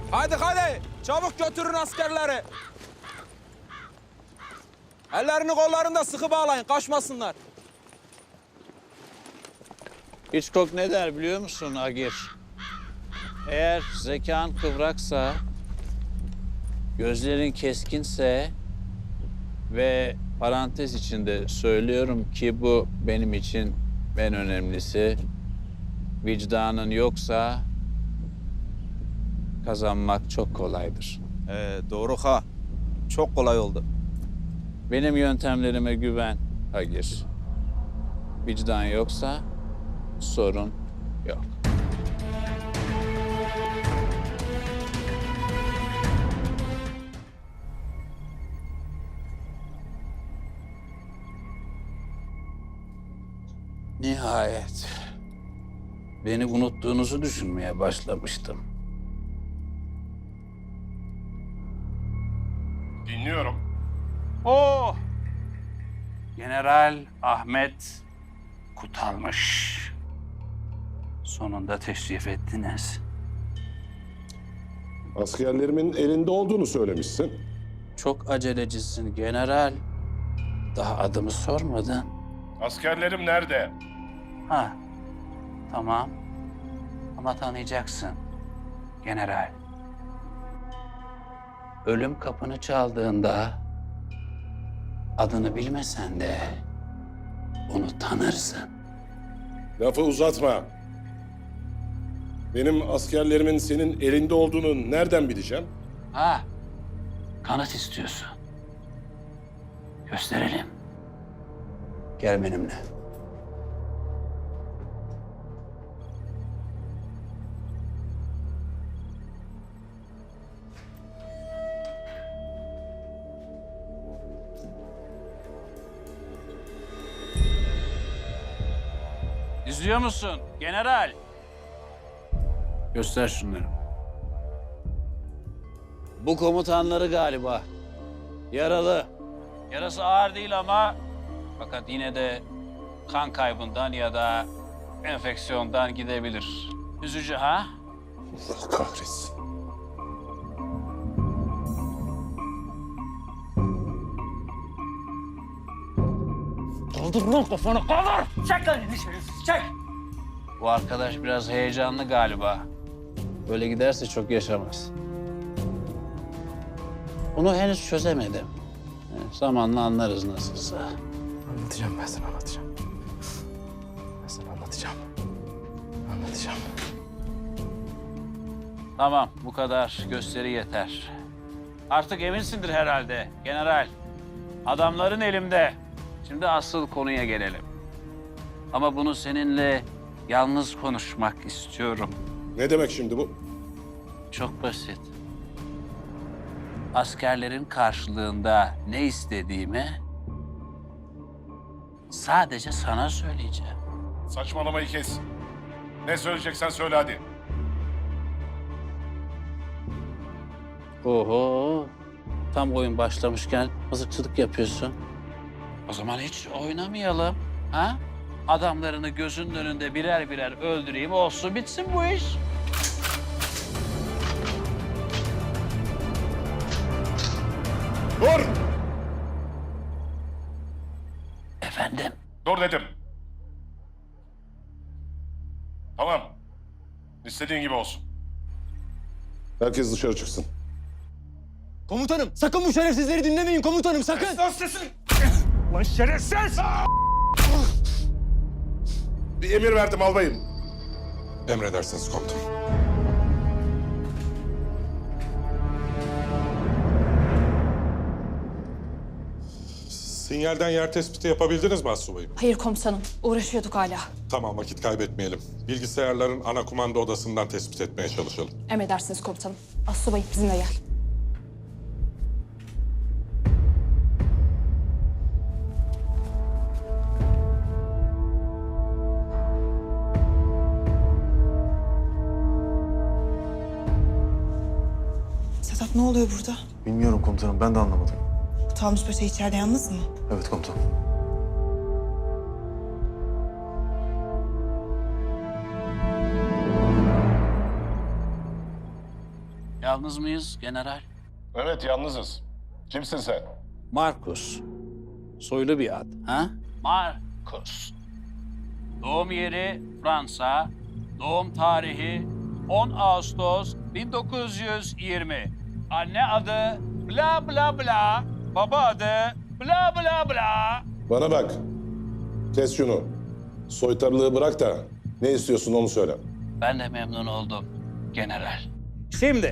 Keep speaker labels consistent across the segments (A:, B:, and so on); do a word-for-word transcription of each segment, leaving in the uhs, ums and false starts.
A: Hadi hadi, çabuk götürün askerleri. Ellerini kollarını da sıkı bağlayın, kaçmasınlar.
B: Hitchcock ne der biliyor musun Agir? Eğer zekan kıvraksa, gözlerin keskinse ve parantez içinde söylüyorum ki bu benim için en önemlisi, vicdanın yoksa kazanmak çok kolaydır.
A: Ee, doğru ha. Çok kolay oldu.
B: Benim yöntemlerime güven Agir. Vicdan yoksa sorun yok. Nihayet. Beni unuttuğunuzu düşünmeye başlamıştım.
C: Dinliyorum.
B: Oh! General Ahmet Kutalmış. Sonunda teşrif ettiniz.
D: Askerlerimin elinde olduğunu söylemişsin.
B: Çok acelecisin general. Daha adımı sormadın.
C: Askerlerim nerede?
B: Ha, tamam. Ama tanıyacaksın general. Ölüm kapını çaldığında adını bilmesen de onu tanırsın.
D: Lafı uzatma. Benim askerlerimin senin elinde olduğunu nereden bileceğim?
B: Ha, kanıt istiyorsun. Gösterelim. Gel benimle. İzliyor musun general? Göster şunları. Bu komutanları galiba. Yaralı. Yarası ağır değil ama fakat yine de kan kaybından ya da enfeksiyondan gidebilir. Üzücü ha?
D: Allah kahretsin.
B: Kaldır lan kafanı, kaldır! Çek lan elini şerefsiz, çek! Bu arkadaş biraz heyecanlı galiba. Böyle giderse çok yaşamaz. Bunu henüz çözemedim. Yani zamanla anlarız nasılsa.
E: Anlatacağım ben sana anlatacağım. Ben sana anlatacağım. Anlatacağım.
B: Tamam, bu kadar gösteri yeter. Artık eminsindir herhalde general. Adamların elimde. Şimdi asıl konuya gelelim. Ama bunu seninle yalnız konuşmak istiyorum.
D: Ne demek şimdi bu?
B: Çok basit. Askerlerin karşılığında ne istediğimi sadece sana söyleyeceğim.
C: Saçmalamayı kes. Ne söyleyeceksen söyle hadi.
B: Oho, tam oyun başlamışken mızıkçılık yapıyorsun. O zaman hiç oynamayalım, ha? Adamlarını gözünün önünde birer birer öldüreyim, olsun bitsin bu iş.
C: Dur!
B: Efendim?
C: Dur dedim. Tamam. İstediğin gibi olsun.
D: Herkes dışarı çıksın.
E: Komutanım sakın bu şerefsizleri dinlemeyin komutanım sakın.
C: Lan sesin! Lan şerefsiz!
D: Bir emir verdim albayım.
F: Emredersiniz komutanım. Sinyalden yer tespiti yapabildiniz mi astsubayım?
G: Hayır komutanım, uğraşıyorduk hala.
F: Tamam, vakit kaybetmeyelim. Bilgisayarların ana kumanda odasından tespit etmeye çalışalım.
G: Emredersiniz komutanım. Assubayım bizimle gel.
H: Sedat ne oluyor burada?
E: Bilmiyorum komutanım ben de anlamadım.
H: Tamus Paşa içeride yalnız mı?
E: Evet komutanım.
B: Yalnız mıyız general?
C: Evet, yalnızız. Kimsin sen?
B: Marcus. Soylu bir ad, ha? Marcus. Doğum yeri Fransa. Doğum tarihi on Ağustos bin dokuz yüz yirmi. Anne adı bla bla bla. Baba adı bla bla bla.
D: Bana bak. Kes şunu. Soytarılığı bırak da ne istiyorsun onu söyle.
B: Ben de memnun oldum general. Şimdi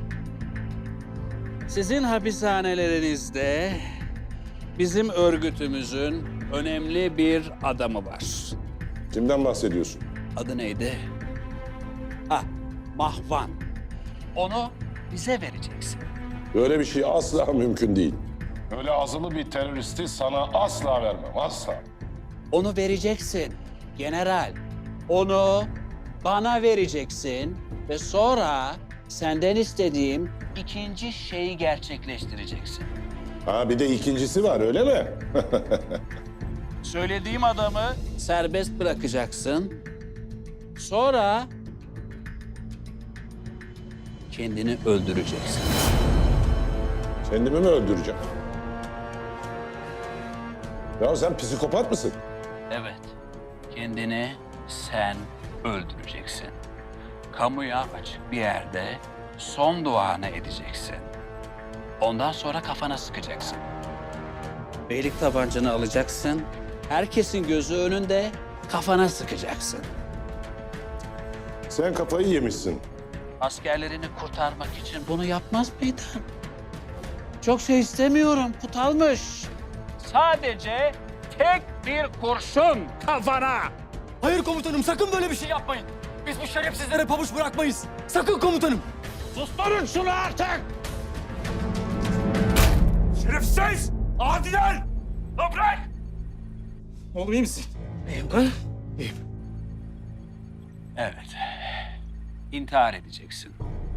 B: sizin hapishanelerinizde bizim örgütümüzün önemli bir adamı var.
D: Kimden bahsediyorsun?
B: Adı neydi? Ha, Mahvan. Onu bize vereceksin.
D: Böyle bir şey asla mümkün değil.
C: Böyle azılı bir teröristi sana asla vermem, asla.
B: Onu vereceksin general. Onu bana vereceksin ve sonra senden istediğim ikinci şeyi gerçekleştireceksin.
D: Ha bir de ikincisi var öyle mi?
B: Söylediğim adamı serbest bırakacaksın. Sonra kendini öldüreceksin.
D: Kendimi mi öldüreceğim? Ya sen psikopat mısın?
B: Evet, kendini sen öldüreceksin. Kamuya açık bir yerde son duanı edeceksin. Ondan sonra kafana sıkacaksın. Beylik tabancanı alacaksın. Herkesin gözü önünde kafana sıkacaksın.
D: Sen kafayı yemişsin.
B: Askerlerini kurtarmak için bunu yapmaz mıydın? Çok şey istemiyorum, kutalmış. Sadece tek bir kurşun kafana.
E: Hayır komutanım sakın böyle bir şey yapmayın. Biz bu şerefsizlere pabuç bırakmayız. Sakın komutanım.
B: Susturun şunu artık!
E: Şerefsiz! Adiler! Toprak! Oğlum iyi misin? İyiyim ha? İyiyim.
B: Evet. İntihar edeceksin.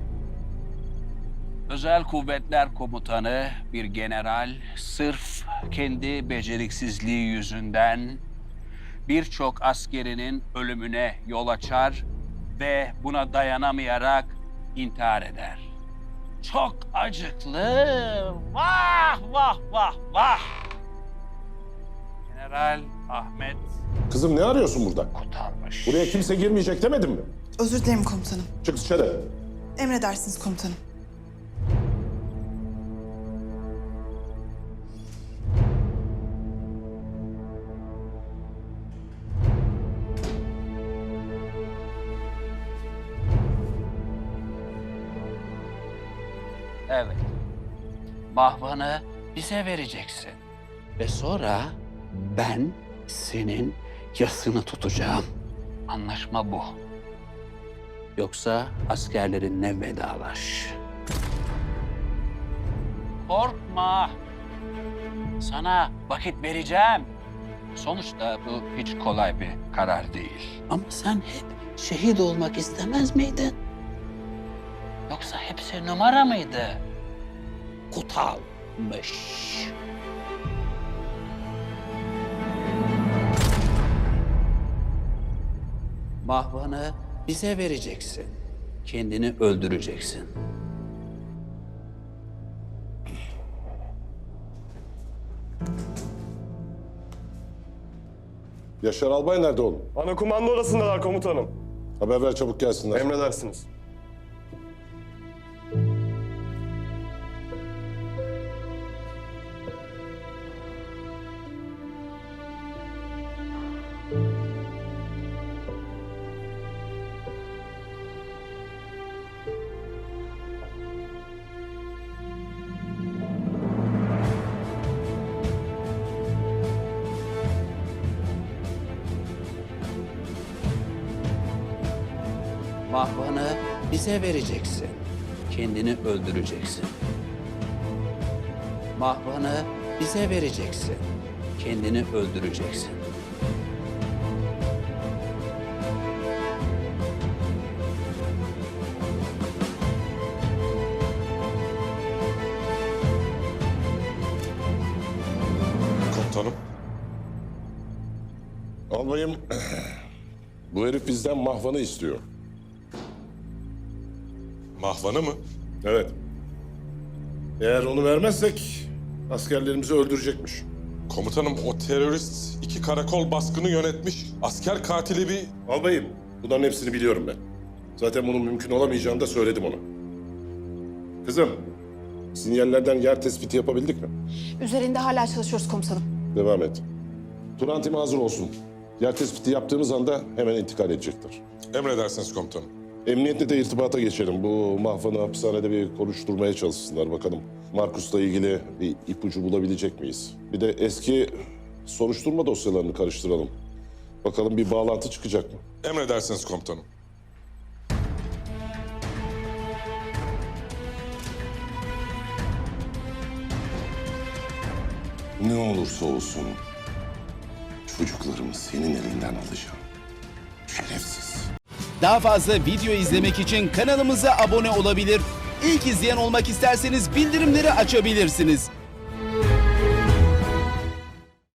B: Özel Kuvvetler Komutanı bir general sırf kendi beceriksizliği yüzünden birçok askerinin ölümüne yol açar ve buna dayanamayarak intihar eder. Çok acıklı. Vah vah vah vah. General Ahmet
D: Kızım ne arıyorsun burada?
B: Kutalmış.
D: Buraya kimse girmeyecek demedim mi?
H: Özür dilerim komutanım.
D: Çık dışarı.
H: Emredersiniz komutanım.
B: Evet. Mahvanı bize vereceksin. Ve sonra ben senin yasını tutacağım. Anlaşma bu. Yoksa askerlerinle vedalaş. Korkma. Sana vakit vereceğim. Sonuçta bu hiç kolay bir karar değil. Ama sen hep şehit olmak istemez miydin? Yoksa hepsi numara mıydı? Kutalmış. Mahvanı bize vereceksin. Kendini öldüreceksin.
D: Yaşar Albay nerede oğlum?
I: Ana kumanda odasındalar komutanım.
D: Haber ver çabuk gelsinler.
I: Emredersiniz.
B: Mahvanı bize vereceksin. Kendini öldüreceksin. Mahvanı bize vereceksin. Kendini öldüreceksin.
F: Komutanım.
D: Albayım, bu herif bizden mahvanı istiyor.
F: Mahvanı mı?
D: Evet. Eğer onu vermezsek askerlerimizi öldürecekmiş.
F: Komutanım o terörist iki karakol baskını yönetmiş. Asker katili bir...
D: Albayım, bunların hepsini biliyorum ben. Zaten bunun mümkün olamayacağını da söyledim ona. Kızım, sinyallerden yer tespiti yapabildik mi?
G: Üzerinde hala çalışıyoruz komutanım.
D: Devam et. Turan timi hazır olsun. Yer tespiti yaptığımız anda hemen intikal edecektir.
F: Emredersiniz komutanım.
D: Emniyetle de irtibata geçelim. Bu mahvanı hapishanede bir konuşturmaya çalışsınlar bakalım. Markus'la ilgili bir ipucu bulabilecek miyiz? Bir de eski soruşturma dosyalarını karıştıralım. Bakalım bir bağlantı çıkacak mı?
F: Emredersiniz komutanım.
D: Ne olursa olsun çocuklarımı senin elinden alacağım. Şerefsiz.
J: Daha fazla video izlemek için kanalımıza abone olabilir. İlk izleyen olmak isterseniz bildirimleri açabilirsiniz.